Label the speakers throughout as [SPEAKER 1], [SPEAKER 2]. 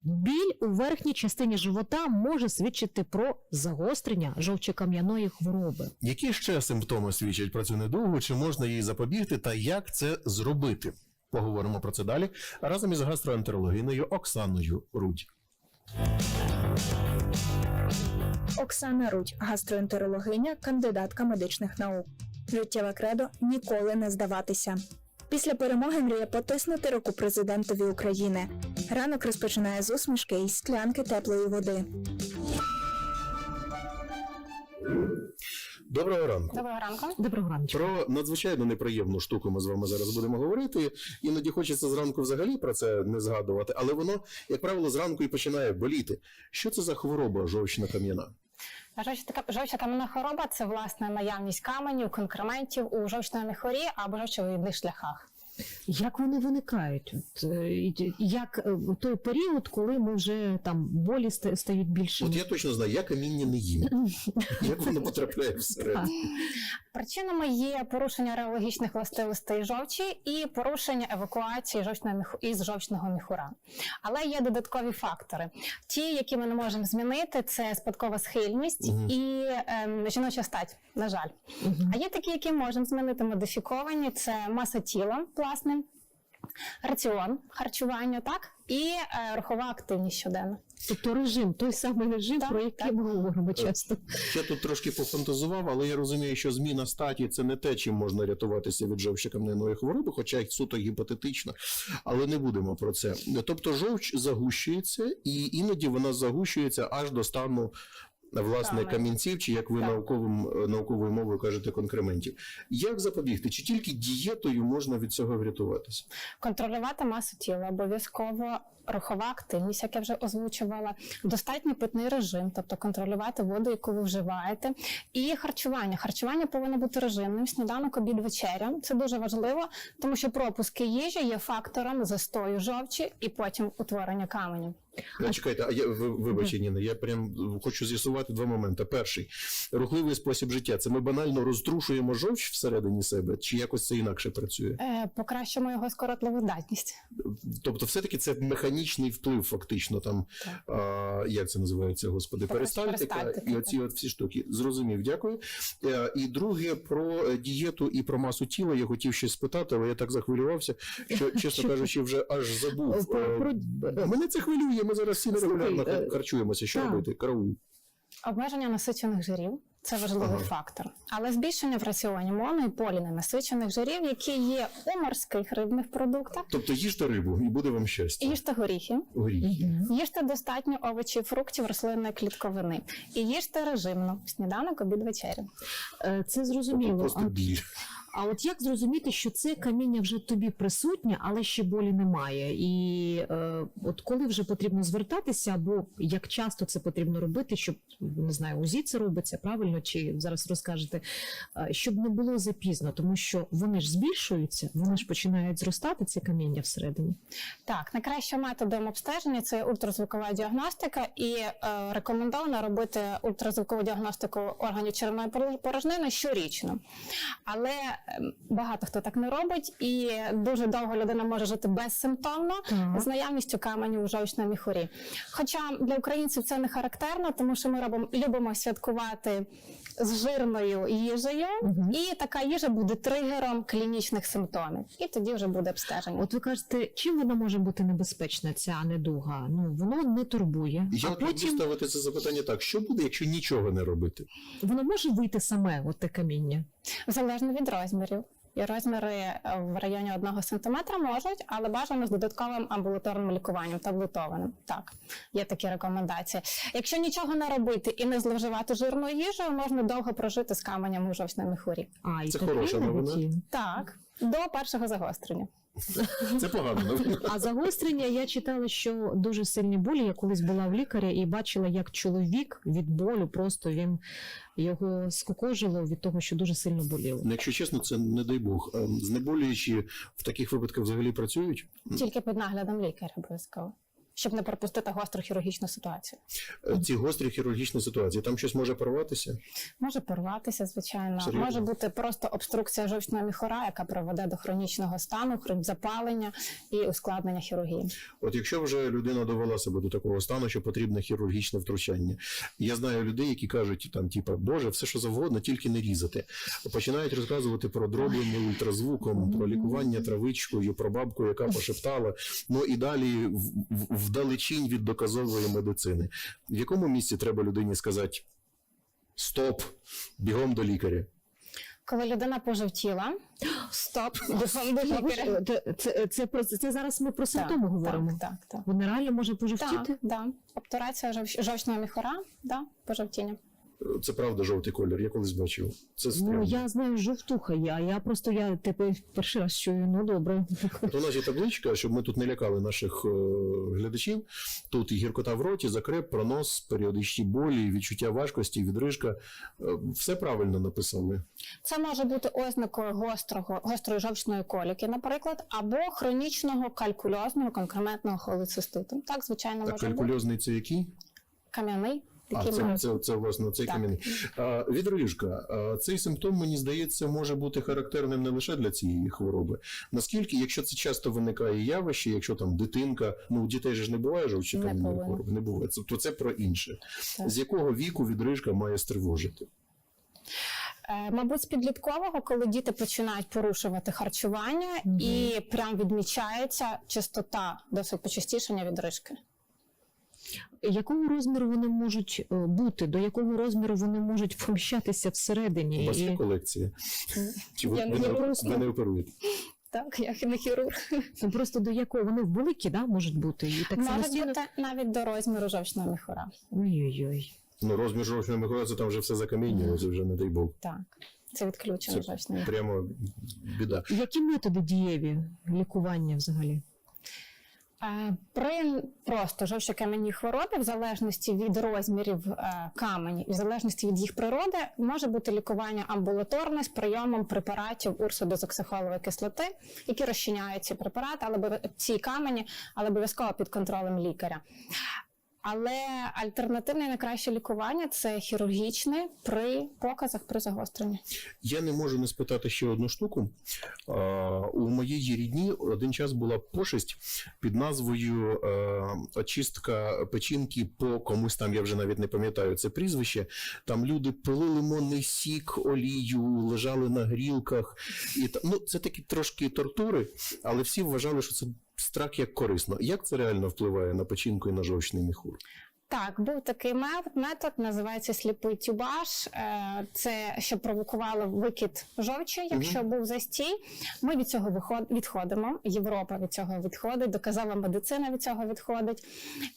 [SPEAKER 1] Біль у верхній частині живота може свідчити про загострення жовчокам'яної хвороби.
[SPEAKER 2] Які ще симптоми свідчать про цю недугу, чи можна їй запобігти та як це зробити? Поговоримо про це далі разом із гастроентерологинею Оксаною Рудь.
[SPEAKER 3] Оксана Рудь, гастроентерологиня, кандидатка медичних наук. Життєве кредо – ніколи не здаватися. Після перемоги мріє потиснути руку президентові України. Ранок розпочинає з усмішки і склянки теплої води.
[SPEAKER 2] Доброго ранку.
[SPEAKER 4] Доброго ранку.
[SPEAKER 1] Доброго ранку.
[SPEAKER 2] Про надзвичайно неприємну штуку ми з вами зараз будемо говорити. Іноді хочеться зранку взагалі про це не згадувати, але воно, як правило, зранку і починає боліти. Що це за хвороба жовчно-кам'яна?
[SPEAKER 4] Жовчокам'яна хвороба – це, власне, наявність каменів, конкрементів у жовчному міхурі або жовчовидних шляхах.
[SPEAKER 1] Як вони виникають? Як той період, коли ми вже там болі стають більшими?
[SPEAKER 2] От я точно знаю, я каміння не їм. Як воно потрапляє всередину?
[SPEAKER 4] Причинами є порушення реологічних властивостей жовчі і порушення евакуації із жовчного міхура. Але є додаткові фактори. Ті, які ми не можемо змінити, це спадкова схильність і жіноча стать, на жаль. А є такі, які можемо змінити, модифіковані, це маса тіла, власне, раціон, харчування, так, і рухова активність щоденна.
[SPEAKER 1] Тобто режим, той самий режим,
[SPEAKER 4] Так,
[SPEAKER 1] про який
[SPEAKER 4] так.
[SPEAKER 1] ми говоримо часто.
[SPEAKER 2] Я тут трошки пофантазував, але я розумію, що зміна статі – це не те, чим можна рятуватися від жовчокам'яної хвороби, хоча й суто гіпотетично, але не будемо про це. Тобто жовч загущується, і іноді вона загущується аж до стану, власне,
[SPEAKER 4] Саме.
[SPEAKER 2] камінців, чи, як ви
[SPEAKER 4] Так.
[SPEAKER 2] науковою мовою кажете, конкрементів. Як запобігти? Чи тільки дієтою можна від цього врятуватися?
[SPEAKER 4] Контролювати масу тіла, обов'язково рухова активність, як я вже озвучувала, достатній питний режим, тобто контролювати воду, яку ви вживаєте, і харчування. Харчування повинно бути режимним, сніданок, обід, вечеря. Це дуже важливо, тому що пропуски їжі є фактором застою жовчі і потім утворення каменів.
[SPEAKER 2] Чекайте, вибачте, Ніна, я прям хочу з'ясувати два моменти. Перший – рухливий спосіб життя. Це ми банально розтрушуємо жовч всередині себе, чи якось це інакше працює?
[SPEAKER 4] Покращимо його скоротливу здатність.
[SPEAKER 2] Тобто все-таки це механічний вплив фактично, там, як це називається, господи, перистальтика
[SPEAKER 4] Перистальтика,
[SPEAKER 2] і оці от всі штуки. Зрозумів, дякую. І друге, про дієту і про масу тіла я хотів ще спитати, але я так захвилювався, що, чесно кажучи, вже аж забув. Мене це хвилює, ми зараз всі нерегулярно харчуємося. Що робити? Караул.
[SPEAKER 4] Обмеження насичених жирів – це важливий фактор. Але збільшення в раціоні моно- і поліненасичених жирів, які є у морських рибних продуктах.
[SPEAKER 2] Тобто їжте рибу і буде вам щастя.
[SPEAKER 4] Їжте горіхи,
[SPEAKER 2] Горіхи.
[SPEAKER 4] їжте достатньо овочів, фруктів, рослинної клітковини. І їжте режимно – сніданок, обід, вечеря.
[SPEAKER 1] Це зрозуміло.
[SPEAKER 2] Просто біль.
[SPEAKER 1] А от як зрозуміти, що це каміння вже тобі присутнє, але ще болі немає? І от коли вже потрібно звертатися, або як часто це потрібно робити, щоб, не знаю, УЗІ це робиться, правильно, чи зараз розкажете, щоб не було запізно, тому що вони ж збільшуються, вони ж починають зростати, ці каміння всередині.
[SPEAKER 4] Так, найкращим методом обстеження – це ультразвукова діагностика, і рекомендовано робити ультразвукову діагностику органів черевної порожнини щорічно. Але багато хто так не робить, і дуже довго людина може жити безсимптомно з наявністю каменів у жовчному міхурі. Хоча для українців це не характерно, тому що ми любимо святкувати з жирною їжею, і така їжа буде тригером клінічних симптомів. І тоді вже буде обстеження.
[SPEAKER 1] От ви кажете, чим вона може бути небезпечна, ця недуга? Ну, воно не турбує.
[SPEAKER 2] Я
[SPEAKER 1] А потім
[SPEAKER 2] ставити це запитання так, що буде, якщо нічого не робити?
[SPEAKER 1] воно може вийти саме, от те каміння?
[SPEAKER 4] Залежно від розмірів. І розміри в районі 1 см можуть, але бажано з додатковим амбулаторним лікуванням, таблетованим. Так, є такі рекомендації. Якщо нічого не робити і не зловживати жирною їжею, можна довго прожити з каменем у жовчному міхурі.
[SPEAKER 1] І
[SPEAKER 2] Це
[SPEAKER 1] таке
[SPEAKER 2] хороша
[SPEAKER 1] навіть
[SPEAKER 2] новина.
[SPEAKER 1] є.
[SPEAKER 4] Так, до першого загострення.
[SPEAKER 2] Це погано новина.
[SPEAKER 1] А загострення, я читала, що дуже сильні болі. Я колись була в лікаря і бачила, як чоловік від болю, просто його скукожило від того, що дуже сильно боліло.
[SPEAKER 2] Ну, якщо чесно, це не дай Бог. Знеболюючі в таких випадках взагалі працюють?
[SPEAKER 4] Тільки під наглядом лікаря обов'язково. щоб не пропустити гостру хірургічну ситуацію.
[SPEAKER 2] Ці гострі хірургічні ситуації, там щось може порватися?
[SPEAKER 4] Може порватися, звичайно.
[SPEAKER 2] Серйозно?
[SPEAKER 4] Може бути просто обструкція жовчного міхура, яка приведе до хронічного стану, запалення і ускладнення хірургії.
[SPEAKER 2] От якщо вже людина довела себе до такого стану, що потрібне хірургічне втручання. Я знаю людей, які кажуть, там, типа, Боже, все що завгодно, тільки не різати. Починають розказувати про дроблення ультразвуком, про лікування травичкою, про бабку, яка пошептала, ну і далі вдалечінь від доказової медицини. В якому місці треба людині сказати «Стоп, бігом до лікаря»?
[SPEAKER 4] Коли людина пожовтіла, стоп, бігом до лікаря.
[SPEAKER 1] Це зараз ми про симптоми говоримо.
[SPEAKER 4] Так.
[SPEAKER 1] Вони реально може пожовтіти?
[SPEAKER 4] Так. Обтурація жовчного міхура, пожовтіння.
[SPEAKER 2] Це правда жовтий колір, я колись бачив. Це стрьомно.
[SPEAKER 1] Ну, я знаю, жовтуха є, а я тепер перший раз чую, ну добре.
[SPEAKER 2] От у нас є табличка, щоб ми тут не лякали наших глядачів. Тут і гіркота в роті, закреп, пронос, періодичні болі, відчуття важкості, відрижка. Все правильно написали.
[SPEAKER 4] Це може бути ознакою гострої жовчної коліки, наприклад, або хронічного калькульозного конкрементного холециститу. Так, звичайно,
[SPEAKER 2] А
[SPEAKER 4] може бути.
[SPEAKER 2] калькульозний це який?
[SPEAKER 4] Кам'яний.
[SPEAKER 2] Це власне цей
[SPEAKER 4] Так.
[SPEAKER 2] камінь. Відрижка. Цей симптом, мені здається, може бути характерним не лише для цієї хвороби. Наскільки, якщо це часто виникає явище, якщо там дитинка, ну у дітей же ж не буває жовчі камінної
[SPEAKER 4] повинно.
[SPEAKER 2] хвороби, не буває. То це про інше.
[SPEAKER 4] Так.
[SPEAKER 2] З якого віку відрижка має стривожити?
[SPEAKER 4] Мабуть, з підліткового, коли діти починають порушувати харчування і прям відмічається частота досить почастішення відрижки.
[SPEAKER 1] Якого розміру вони можуть бути? До якого розміру вони можуть поміщатися всередині?
[SPEAKER 2] У вас є колекція? Чи ви не оперуєте?
[SPEAKER 4] Так, я не хірург.
[SPEAKER 1] Ну, просто до якого? Вони великі, да, можуть бути? І так
[SPEAKER 4] Може
[SPEAKER 1] самостійно...
[SPEAKER 4] бути навіть до розміру жовчного міхура.
[SPEAKER 1] Ой-ой-ой.
[SPEAKER 2] Ну, розмір жовчного міхура, це там вже все закаміння, це вже не дай Бог.
[SPEAKER 4] Так, це відключено
[SPEAKER 2] Це
[SPEAKER 4] жовчний міхур.
[SPEAKER 2] прямо біда.
[SPEAKER 1] Які методи дієві лікування взагалі?
[SPEAKER 4] При просто жовчокам'яній хворобі, в залежності від розмірів каменів і в залежності від їх природи, може бути лікування амбулаторне з прийомом препаратів урсодезоксихолової кислоти, які розчиняють ці препарати, ці камені, але обов'язково під контролем лікаря. Але альтернативне найкраще лікування – це хірургічне при показах, при загостренні.
[SPEAKER 2] Я не можу не спитати ще одну штуку. У моєї рідні один час була пошесть під назвою очистка печінки по комусь там, я вже навіть не пам'ятаю це прізвище. Там люди пили лимонний сік, олію, лежали на грілках. Ну, це такі трошки тортури, але всі вважали, що це страх як корисно. Як це реально впливає на печінку і на жовчний міхур?
[SPEAKER 4] Так, був такий метод, називається сліпий тюбаж. Це що провокувало викид жовчі, якщо був застій. Ми від цього відходимо, Європа від цього відходить, доказова медицина від цього відходить.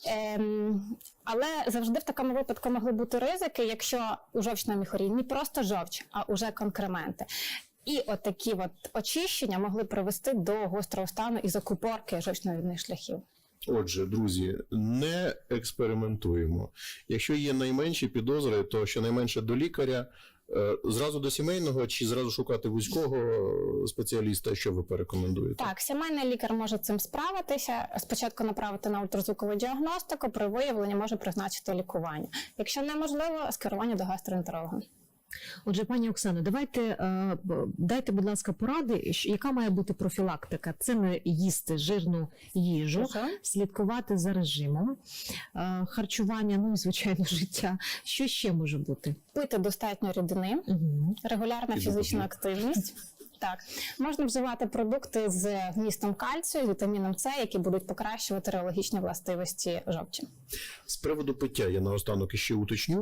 [SPEAKER 4] Але завжди в такому випадку могли бути ризики, якщо у жовчному міхурі не просто жовч, а уже конкременти. І отакі очищення могли привести до гострого стану і закупорки жовчно-відних шляхів.
[SPEAKER 2] Отже, друзі, не експериментуємо. Якщо є найменші підозри, то щонайменше до лікаря, зразу до сімейного чи зразу шукати вузького спеціаліста, що ви порекомендуєте?
[SPEAKER 4] Так, сімейний лікар може цим справитися, спочатку направити на ультразвукову діагностику, при виявленні може призначити лікування. Якщо неможливо, скерування до гастроентеролога.
[SPEAKER 1] Отже, пані Оксано, дайте, будь ласка, поради, яка має бути профілактика. Це не їсти жирну їжу, слідкувати за режимом, харчування, ну і, звичайно, життя. Що ще може бути?
[SPEAKER 4] Пити достатньо рідини, регулярна фізична активність. Так, можна вживати продукти з вмістом кальцію, вітаміном С, які будуть покращувати реологічні властивості жовчі.
[SPEAKER 2] З приводу пиття я наостанок іще уточню.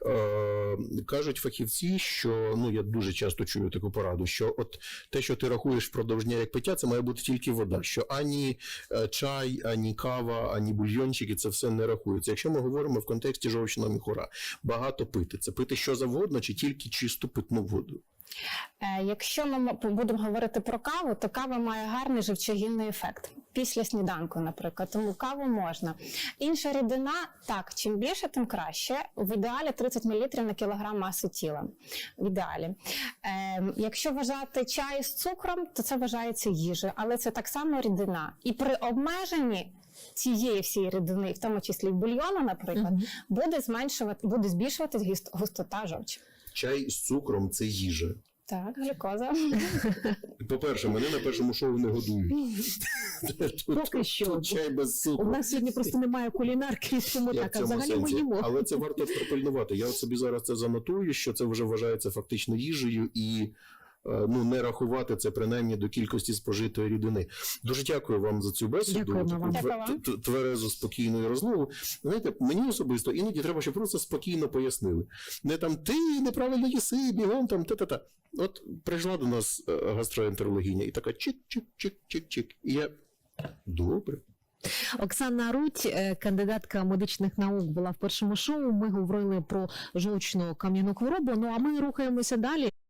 [SPEAKER 2] Кажуть фахівці, що, ну я дуже часто чую таку пораду, що от те, що ти рахуєш впродовж дня як пиття, це має бути тільки вода, що ані чай, ані кава, ані бульйончики, це все не рахується. Якщо ми говоримо в контексті жовчного міхура, багато пити, це пити що завгодно чи тільки чисту питну воду?
[SPEAKER 4] Якщо ми будемо говорити про каву, то кава має гарний живчогінний ефект. Після сніданку, наприклад, тому каву можна. Інша рідина, так, чим більше, тим краще. В ідеалі 30 мл на кілограм маси тіла. В ідеалі. Якщо вважати чай з цукром, то це вважається їжею, але це так само рідина. І при обмеженні цієї всієї рідини, в тому числі бульйону, наприклад,
[SPEAKER 1] Мгм.
[SPEAKER 4] буде збільшуватись густота жовчі.
[SPEAKER 2] Чай з цукром це їжа.
[SPEAKER 4] Так, глюкоза.
[SPEAKER 2] По-перше, мене на першому шоу не годують.
[SPEAKER 1] Поки що.
[SPEAKER 2] Тут чай без цукру.
[SPEAKER 1] У нас сьогодні просто немає кулінарки, тому
[SPEAKER 2] Я в
[SPEAKER 1] так, а
[SPEAKER 2] цьому
[SPEAKER 1] взагалі ми
[SPEAKER 2] сенсі.
[SPEAKER 1] їмо.
[SPEAKER 2] Але це варто пропильнувати. Я от собі зараз це занотую, що це вже вважається фактично їжею і не рахувати це принаймні до кількості спожитої рідини. Дуже дякую вам за цю бесіду,
[SPEAKER 1] Дякуємо
[SPEAKER 2] таку
[SPEAKER 1] вам.
[SPEAKER 4] Дякую вам.
[SPEAKER 2] тверезу, спокійну розмову. Знаєте, мені особисто іноді треба, щоб просто спокійно пояснили. Не там ти неправильно їси, бігом там та-та-та. От прийшла до нас гастроентерологиня і така чик-чик-чик-чик-чик. І я добре.
[SPEAKER 1] Оксана Рудь, кандидатка медичних наук, була в першому шоу. Ми говорили про жовчну кам'яну хворобу. Ну а ми рухаємося далі.